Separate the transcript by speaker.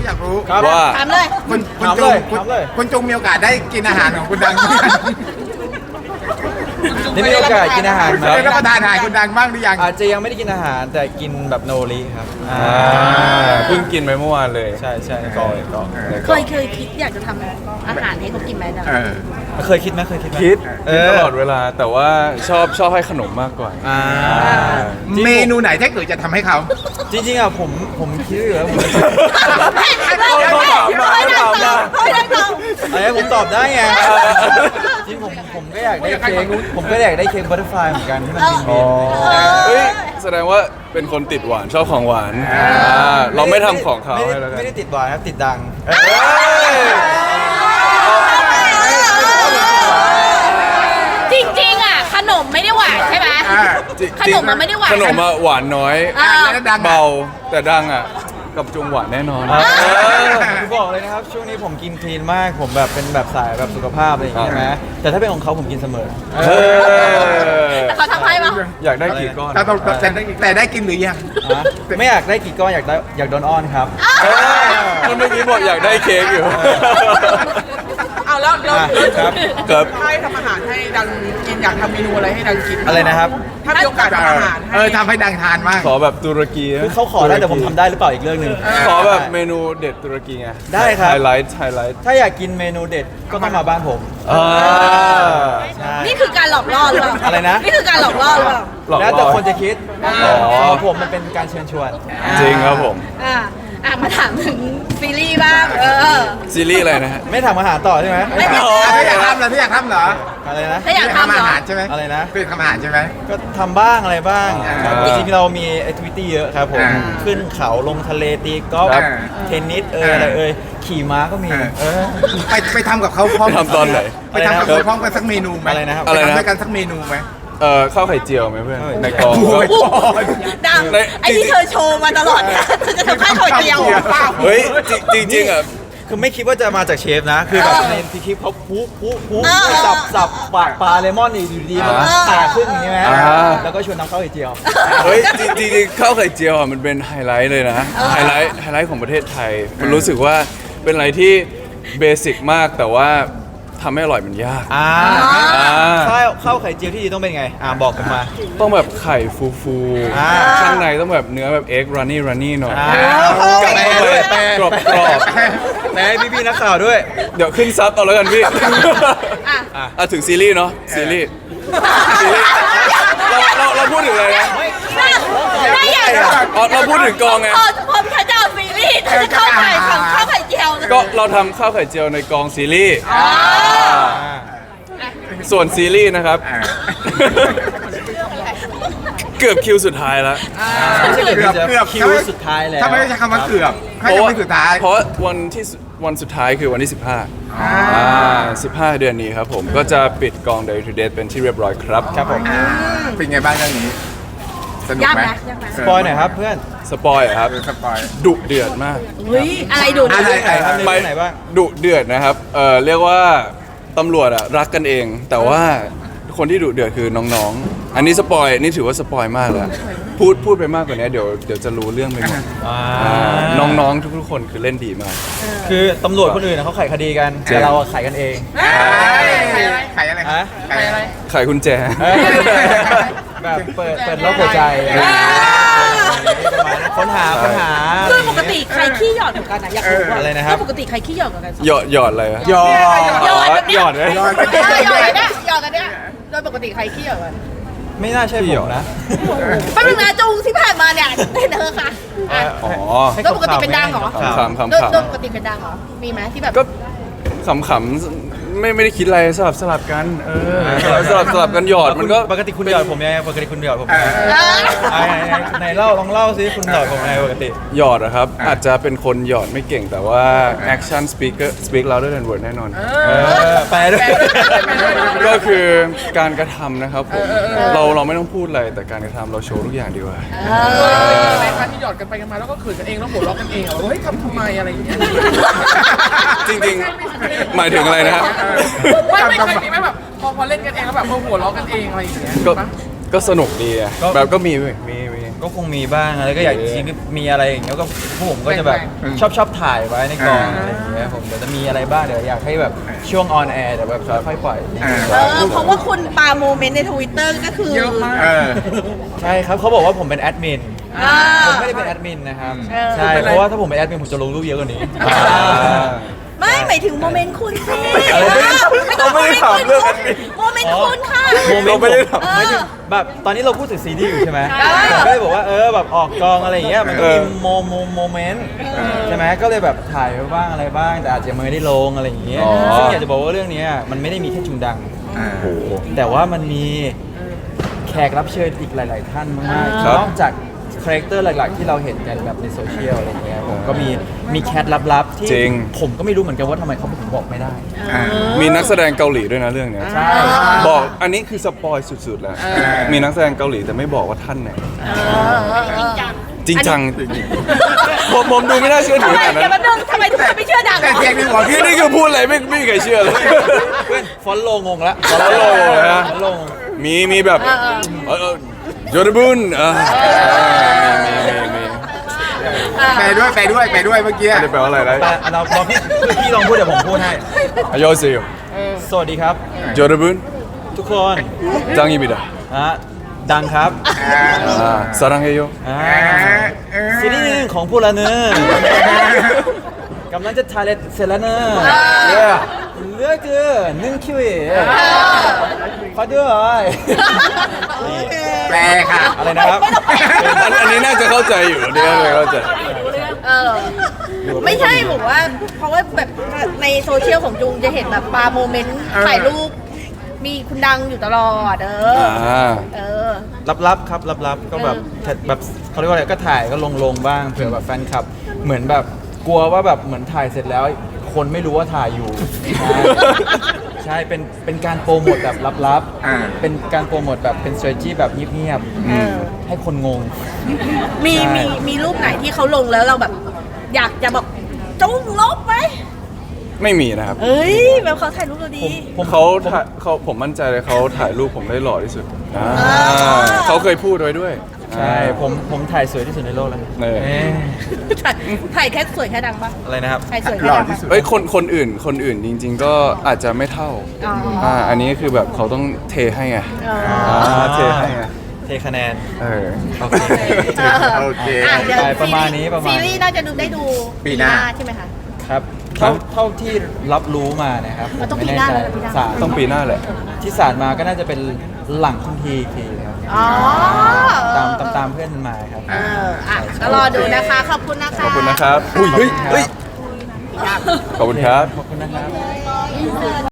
Speaker 1: อยากรู้
Speaker 2: ว่า
Speaker 3: ถามเลย
Speaker 1: คุณจงมีโอกาสได้กินอาหารของคุณดัง
Speaker 4: ได้มีโอกาสกินอาหารไหม
Speaker 1: ได้รับประทานอาหารคุณดังบ้างหรือยัง
Speaker 4: อาจจะยังไม่ได้กินอาหารแต่กินแบบโนริครับ
Speaker 2: เพิ่งกินไปเมื่อวานเลย
Speaker 4: ใช่ใช่
Speaker 2: ก่อน
Speaker 3: เคยคิดอยากจะทำอาหารให้เขากินไหมดัง
Speaker 4: เคยคิดไหม
Speaker 2: คิดตลอดเวลาแต่ว่าชอบให้ขนมมากกว่า
Speaker 1: เมนูไหนถ้าเกิดจะทำให้เขา
Speaker 4: จริงๆอ่ะผมคิดอยู่แล้วผม อะไรผมตอบได้ไงจริงผมก็อยากได้เค้กผมก็อยากได้เค้กบัตเตอร์ฟลายเหมือนกันที่มันบิน
Speaker 2: เฮ้ยแสดงว่าเป็นคนติดหวานชอบของหวานเราไม่ทำของเขาให้แล้วกัน
Speaker 4: ไม่ได้ติดหวานครับติดดัง
Speaker 3: จริงๆอ่ะขนมไม่ได้หวานใช่ไหมขนมมันไม่ได้หวาน
Speaker 2: ขนมอะหวานน้อย
Speaker 1: แล้วดัง
Speaker 2: เบาแต่ดังอ่ะกับจุงหวานแน่นอน
Speaker 4: คือบอกเลยนะครับช่วงนี้ผมกินคลีนมากผมแบบเป็นแบบสายแบบสุขภาพอะไรอย่างเงี้ยใช่ไหมแต่ถ้าเป็นของเขาผมกินเสมอ
Speaker 3: แต่เขาทำให้ปะ
Speaker 2: อยากได้กี่ก้อน
Speaker 1: แต่ได้กินหรือยัง
Speaker 4: ไม่อยากได้กี่ก้อนอยากโดนอ้อนครับ
Speaker 2: มันเมื่อกี้บอกอยากได้เค้กอยู่
Speaker 5: เอาแล้ว
Speaker 4: ครับ
Speaker 2: ครับ
Speaker 5: ให้ทำอาหารให้ดังกินอยากทำเมนูอะไรให้ดังกิน
Speaker 4: อะไรนะครับ
Speaker 5: ถ้ามีโอกาสทำอาหารให้
Speaker 1: ทำให้ดังทานมาก
Speaker 2: ขอแบบตุรกี
Speaker 4: คือเขาขอได้แต่ผมทำได้หรือเปล่าอีกเรื่องหนึ่ง
Speaker 2: ขอแบบเมนูเด็ดตุรกีไง
Speaker 4: ได้ครับ
Speaker 2: ไฮไลท์
Speaker 4: ถ้าอยากกินเมนูเด็ดก็ต้องมาบ้านผมใช่
Speaker 3: นี่คือการหลอกล่อหรือเปล่า
Speaker 4: อะไรนะ
Speaker 3: นี่คือการหลอกล่อหรือเปล่า
Speaker 2: หลอก
Speaker 4: แล้ว
Speaker 2: ล่
Speaker 4: แต่
Speaker 2: อ
Speaker 4: คนจะคิด
Speaker 2: อ๋อ
Speaker 4: ของผมมันเป็นการเชิญชวน
Speaker 2: จริงครับผม
Speaker 3: มาถามถึงซีรีส์บ้าง
Speaker 2: ซีรีส์อะไรนะฮะ
Speaker 4: ไม่ทำอาหารต่อใช่ไหม
Speaker 3: ไม่ท
Speaker 1: ถ้าอยากทำเหรอถ้าอยากทำเหรอ
Speaker 4: อะไรนะ
Speaker 3: ถ้าอยากทำเหร
Speaker 1: อา
Speaker 3: อ
Speaker 1: หารใช่ไหม
Speaker 4: อะไรนะ
Speaker 1: คือทำอาหารใช่ไหม
Speaker 4: ก็ทำบ้างอะไรบ้าง
Speaker 1: อ่า
Speaker 4: จริงๆเรามีแอคทิวิตี้เยอะครับผม ขึ้นเขาลงทะเลตีกอล์ฟ
Speaker 1: ครับ
Speaker 4: เทนนิสอะไรขี่ม้าก็มี
Speaker 1: ไปทำกับเขาพร้อม
Speaker 2: ไปทำตอนไหน
Speaker 1: ไปทำกับเขาพร้อมกันสักเมนูไหม
Speaker 4: อะไรนะครับ
Speaker 1: ไปทำด้วยกันสักเมนูไหม
Speaker 2: ข้าวไข่เจียวไหมเพื่อนในกอง
Speaker 1: โอ้ย
Speaker 3: ดังไอ้ที่เธอโชว์มาตลอดเนี่ยเธอจะทำข้าวเจียว
Speaker 2: เฮ้ยจริงๆอ่ะ
Speaker 4: คือไม่คิดว่าจะมาจากเชฟนะ คือแบบในที่คลิปเขาปุ๊สับปลาเลมอนอยู่ดีๆมันผ่าครึ่งอย่างนี้ไหมแล้วก็ชวนน้ำข้าวไข่เจียว
Speaker 2: เฮ้ยจริงๆข้าวไข่เจียวอ่ะมันเป็นไฮไลท์เลยนะไฮไลท์ของประเทศไทย มันรู้สึกว่าเป็นอะไรที่เบสิกมากแต่ว่าทำให้อร่อยมันยาก
Speaker 4: ข้าวไข่เจียวที่ดีต้องเป็นไงบอกผมมา
Speaker 2: ต้องแบบไข่ฟู
Speaker 4: อ่า
Speaker 2: ๆข้างในต้องแบบเนื้อแบบเอ็กรันนี่หน่อย
Speaker 4: กัดเข้าไป
Speaker 2: กรอบ
Speaker 4: แปลให้พี่ๆนักข่าวด้วย
Speaker 2: เดี๋ยวขึ้นซับเอาแล้วกันพี่ถึงซีรีส์เนาะซีรีส์เราพูดถึงอะไรนะ
Speaker 3: ไม่อยาก
Speaker 2: เราพูดถึงกองไง
Speaker 3: พอฉันจะเอาซีรีส์ฉันจะเข้าไข่ของข้าวไข่เจียว
Speaker 2: ก็เราทำข้าวไข่เจียวในกองซีรีส์ส่วนซีรีส์นะครับ เกือบคิวสุดท้ายแล้ว
Speaker 4: คิวสุดท้ายแล้ว
Speaker 1: ถ้าไม่ใช่คำว่าเกือบให้คำว่าสุดท้าย
Speaker 2: เพราะวันสุดท้ายคือวันที่ 15 เดือนนี้ครับผมก็จะปิดกอง Day to Day เป็นที่เรียบร้อยครับ
Speaker 4: ครับผม
Speaker 1: เป็นไงบ้างเรื่องนี้ สนุก
Speaker 3: ยาก
Speaker 1: ไหม
Speaker 3: นะยากนะ
Speaker 4: สปอยหน่อยครับเพื่อน
Speaker 2: สปอยล์ครับ
Speaker 1: สปอย
Speaker 2: ดุเดือดมาก
Speaker 3: เฮ้ยอะไรดู
Speaker 1: อะไร
Speaker 4: ไหนบ้าง
Speaker 2: ดุเดือดนะครับเรียกว่าตำรวจอะรักกันเอง แต่ว่าคนที่ดุเดือดคือน้องๆ อันนี้สปอยนี่ถือว่าสปอยมากแล้วพูดไปมากกว่านี้เดี๋ยวจะรู้เรื่องไปหมดน้องๆทุกๆคนคือเล่นดีมาก
Speaker 4: คือตำรวจคนอื่นเขาไขคดีกันแต่เราไขกันเอง
Speaker 1: ไข่อะไร
Speaker 4: ฮะ
Speaker 1: ไข่อะไร
Speaker 2: ไขกุญแจ
Speaker 4: แบบเปิดโลกหัวใจค้นหา
Speaker 3: คือปกติใครขี้หยอดเหมือนกันนะอยากรู้ว่า
Speaker 4: อะไรนะครับ
Speaker 3: ปกติใครขี้หยอดเหมือนกัน
Speaker 2: หยอดอะไรอะ
Speaker 4: หยอด
Speaker 3: หยอดแบบเนี้ย
Speaker 2: หยอดเลย
Speaker 3: หยอดกันเนี่ยหยอดกันเนี่ยโดยปกติใครขี้หยอดกัน
Speaker 4: ไม่น่าใช่ผมนะ
Speaker 3: แป๊บนึงนะจูงที่ผ่านมาเนี่ยเห็นเธอค่ะ
Speaker 2: อ๋อ
Speaker 3: โดยปกติเป็นดังเหรอ
Speaker 2: ขำๆ
Speaker 3: โดยปกติเป็นดังเหรอมีไหมที่แบบ
Speaker 2: ก็ขำๆไม่ได้คิดอะไรสลับกันสลับกันหยอดมันก็
Speaker 4: ปกติคุณหยอดผมยังไงปกติคุณหยอดผมยังไงไหนลองเล่าซิคุณหยอดผมยังไงปกติ
Speaker 2: หยอดนะครับอาจจะเป็นคนหยอดไม่เก่งแต่ว่า action speak louder than word แน่นอน
Speaker 4: แปลด้วย
Speaker 2: ก็คือการกระทำนะครับผมเราไม่ต้องพูดอะไรแต่การกระทำเราโชว์ทุกอย่างดีกว่า
Speaker 5: ในการที่หยอดกันไปกันมาแล้วก็เขินกันเองแล้วหัวเราะกันเองเฮ้ยทำไมอะไรอย่างเงี้ย
Speaker 2: จริงๆหมายถึงอะไรนะฮะ
Speaker 5: ไม่เคยมีไหมแบบพอเล่นกันเองแล้วแบบหัวเราะกันเองอะไรอย่างเงี้ย
Speaker 2: ก็สนุกดีอะแบบก็มี
Speaker 4: ก็คงมีบ้างอะไรก็อยากจริงๆมีอะไรอย่างเงี้ยก็พวกผมก็จะแบบชอบถ่ายไว้ในกองอะไรอย่างเงี้ยผมเดี๋ยวจะมีอะไรบ้างเดี๋ยวอยากให้แบบช่วงออนแอร์เดี๋ยวแบบค่อยๆปล่อย
Speaker 3: เพราะว่าคุณปาโมเมนต์ในทวิตเตอร์ก็คือ
Speaker 5: เยอะมาก
Speaker 4: ใช่ครับเขาบอกว่าผมเป็นแอดมิน
Speaker 3: อ่า
Speaker 4: ผมไม่ได้เป็นแอดมินนะครับ
Speaker 3: เออ
Speaker 4: ใช่เพราะว่าถ้าผมเป็นแอดมินผมจะลงรูปเยอะกว่านี้
Speaker 3: ไม่หมายถึงโมเมนต์คุณสิ
Speaker 2: เราไม่ได้ถามเรื่องแอดมิน
Speaker 3: โมเมนต์คุณค่ะ
Speaker 4: โมเมนต์
Speaker 2: เราไม่ได้ทำ
Speaker 3: เออ
Speaker 4: แบบตอนนี้เราพูดถึงซีรีส์อยู่ใช่ไหม
Speaker 3: ใช่
Speaker 4: ผมก็เลยบอกว่าแบบออกกองอะไรอย่างเงี้ยมันก็มี
Speaker 2: เออ
Speaker 4: โมเมนต์ใช่ไหมก็เลยแบบถ่ายไว้บ้างอะไรบ้าง แต่อาจจะไม่ได้ลงอะไรอย่างเงี้ย
Speaker 2: อ๋อ
Speaker 4: ซึ่งอยากจะบอกว่าเรื่องเนี้ยมันไม่ได้มีแค่จุงดัง แต่ว่ามันมีแขกรับเชิญอีกหลาย ๆ ท่านมาก
Speaker 2: ครับ
Speaker 4: ๆนอกจากคาแรคเตอร์หลัก ๆ ที่เราเห็นกันแบบในโซเชียลอะไรอย่างเงี้ยผมก็มีแคทลับ ๆ ที่
Speaker 2: จริง
Speaker 4: ผมก็ไม่รู้เหมือนกันว่าทำไมเขาถึงบอกไม่ได้
Speaker 2: มีนักแสดงเกาหลีด้วยนะเรื่องเนี้ย
Speaker 4: ใช่
Speaker 2: บอกอันนี้คือสปอยสุดๆแล้ว มีนักแสดงเกาหลีแต่ไม่บอกว่าท่านไหนจริงจังผมดูไม่น่าเชื่อถื
Speaker 3: ทำ
Speaker 2: อ
Speaker 3: ไม
Speaker 2: ขนาด
Speaker 3: เดี๋ยว
Speaker 2: นั้
Speaker 3: มาน ดึงทำไมทุกคนไม่เชื่อดัง
Speaker 1: แต่เสียงในหัวพี่
Speaker 2: นี่คือพูดอะไรไม่มีใครเชื่อเลย
Speaker 4: เพื่อนฟอนต์โลงงละ
Speaker 2: follow เลยนะ
Speaker 4: ฟอนต์โลง
Speaker 2: มีแบบโยนบุนมี
Speaker 1: แปลด้วยเมื่อกี้
Speaker 2: ไม่ได้แปลว่าอะไรนะ
Speaker 4: แต่เราพี่ลองพูดเดี๋ยวผมพูดให้
Speaker 2: อายอซิโย
Speaker 4: สวัสดีครับ
Speaker 2: โยนบุน
Speaker 4: ทุกคน
Speaker 2: จังอีบิดา
Speaker 4: ดังครับ
Speaker 2: สารังเฮโย
Speaker 4: ซีรีส์หนึ่งของพวกเราเนอะกำลังจะถ่ายเสร็จแล้วเนอะเหลือเกิน1 คิวขอด้วย
Speaker 1: แปลค่ะ
Speaker 4: อะไรนะครับ
Speaker 2: อันนี้น่าจะเข้าใจอยู่อันนี้น่าจะเข้าใจ
Speaker 3: เออไม่ใช่บอกว่า เพราะว่าแบบในโซเชียลของจุงจะเห็นแบบปาโมเมนต์ถ่ายรูป มีคุณดังอยู่ตลอดเออ
Speaker 4: ลับๆครับลับๆก็แบบเขาเรียกว่าอะไรก็ถ่ายก็ลงบ้างเผื่อแบบแฟนคลับ เหมือนแบบกลัวว่าแบบเหมือนถ่ายเสร็จแล้ว คนไม่รู้ว่าถ่ายอยู่ ใช่เป็นการโปรโมทแบบลับๆเป็นการโปรโมทแบบเป็น strategy แบบเงียบ
Speaker 3: เออ
Speaker 4: ๆให้คนงง
Speaker 3: มีรูปไหนที่เขาลงแล้วเราแบบ อยากจะบอกจุงลบไหม
Speaker 2: ไม่มีนะครับ
Speaker 3: เอ้ยแบบเขาถ่ายรูปเราดี
Speaker 2: ผมมั่นใจเลยเขาถ่ายรูปผมได้หล่อที่สุดเขาเคยพูดไว้ด้วย
Speaker 4: ใช่ผมถ่ายสวยที่สุดในโลกแล้ว
Speaker 2: เออ
Speaker 4: เอ๊ะ
Speaker 3: ถ่ายแค่สวยแค่ดังปะ
Speaker 4: อะไรนะครับ
Speaker 3: ถ่ายสวย
Speaker 1: ห
Speaker 3: แค่
Speaker 1: ล่อ
Speaker 3: ดัง
Speaker 1: ที่
Speaker 3: ปะ
Speaker 1: สุด
Speaker 2: เอ้ยคนอื่นจริง ๆ ก็อาจจะไม่เท่า
Speaker 3: อ๋อ
Speaker 2: อันนี้คือแบบเขาต้องเทให้ไง
Speaker 3: อ๋อ
Speaker 2: เทให้ไง
Speaker 4: เทคะแนน
Speaker 2: เออ
Speaker 4: โอเค
Speaker 1: โอเค
Speaker 3: อ่ะเดี๋ยว
Speaker 4: ประมาณนี้
Speaker 3: ซีรีส์น่าจะได้ดู
Speaker 1: ปีหน้า
Speaker 3: ใช่ไหมคะ
Speaker 4: ครับเท่าที่รับรู้มานะครับ
Speaker 3: มันต้อง
Speaker 4: ไม่
Speaker 3: ปี
Speaker 4: แน่
Speaker 3: หน้า
Speaker 4: ใจ
Speaker 3: แล้วปีหน้า
Speaker 4: สาร
Speaker 2: ต้องปีหน้าแหละ
Speaker 4: ที่สารมาก็น่าจะเป็นหลังคุณทีอีกทีนะครับ
Speaker 3: อ๋อ
Speaker 4: ตามเพื่อนมาครับ
Speaker 3: ก็รอดูนะคะ ขอบคุณนะคะ
Speaker 2: ขอบคุณนะครับ อุ้ยเฮ้ยขอบคุณครับ
Speaker 4: ขอบคุณนะครับ